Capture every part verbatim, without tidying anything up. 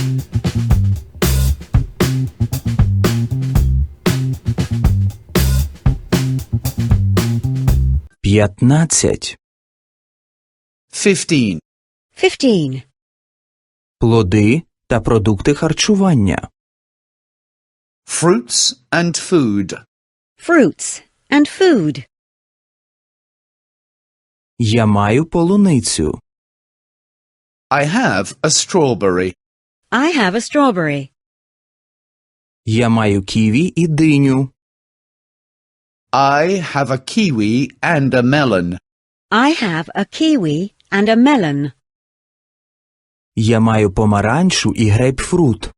П'ятнадцять. Fifteen. Fifteen. Плоди та продукти харчування. Fruits and food. Fruits and food. Я маю полуницю. I have a strawberry. I have a strawberry. Я маю ківі і диню. I have a kiwi and a melon. I have a kiwi and a melon. Я маю помаранчу і грейпфрут.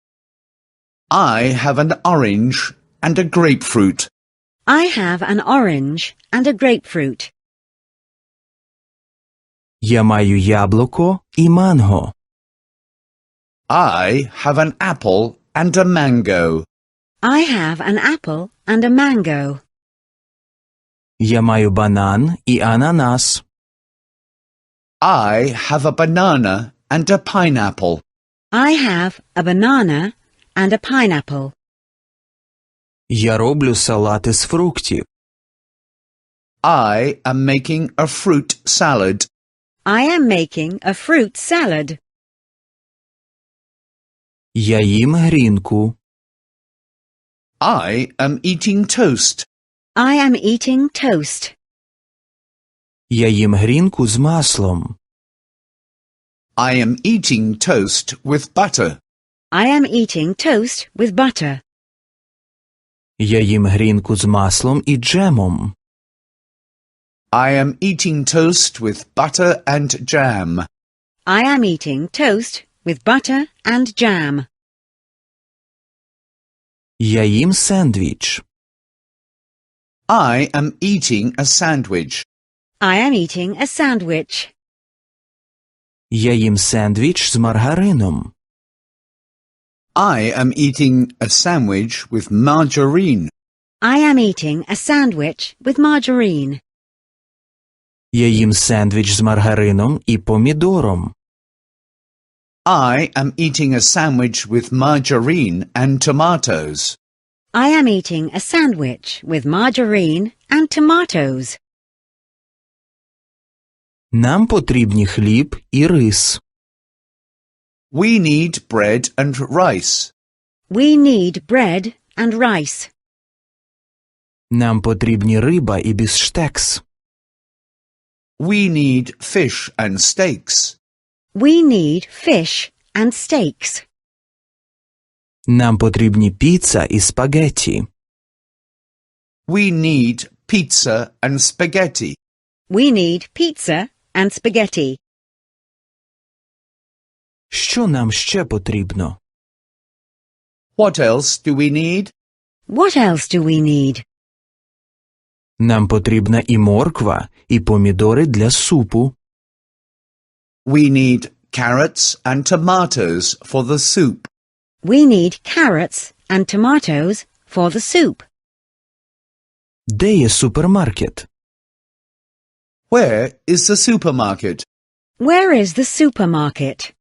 I have an orange and a grapefruit. I have an orange and a grapefruit. Я маю яблуко і манго. I have an apple and a mango. I have an apple and a mango. Я маю банан і ананас. I have a banana and a pineapple. I have a banana and a pineapple. Я роблю салати з фруктів. I am making a fruit salad. I am making a fruit salad. Я їм грінку. I am eating toast. I am eating toast. Я їм грінку з маслом. I am eating toast with butter. I am eating toast with butter. Я їм грінку з маслом і джемом. I am eating toast with butter and jam. I am eating toast with butter and jam. Я їм сендвіч. I am eating a sandwich. I am eating a sandwich. Я їм сендвіч з маргарином. I am eating a sandwich with margarine. I am eating a sandwich with margarine. Я їм сендвіч з маргарином і помідором. I am eating a sandwich with margarine and tomatoes. I am eating a sandwich with margarine and tomatoes. Нам потрібні хліб і рис. We need bread and rice. We need bread and rice. Нам потрібні риба і бифштекс. We need fish and steaks. We need fish and steaks. Нам потрібні піца і спагетті. We need pizza and spaghetti. We need pizza and spaghetti. Що нам ще потрібно? What else do we need? What else do we need? Нам потрібна і морква, і помідори для супу. We need carrots and tomatoes for the soup. We need carrots and tomatoes for the soup. Де є супермаркет? Where is the supermarket? Where is the supermarket?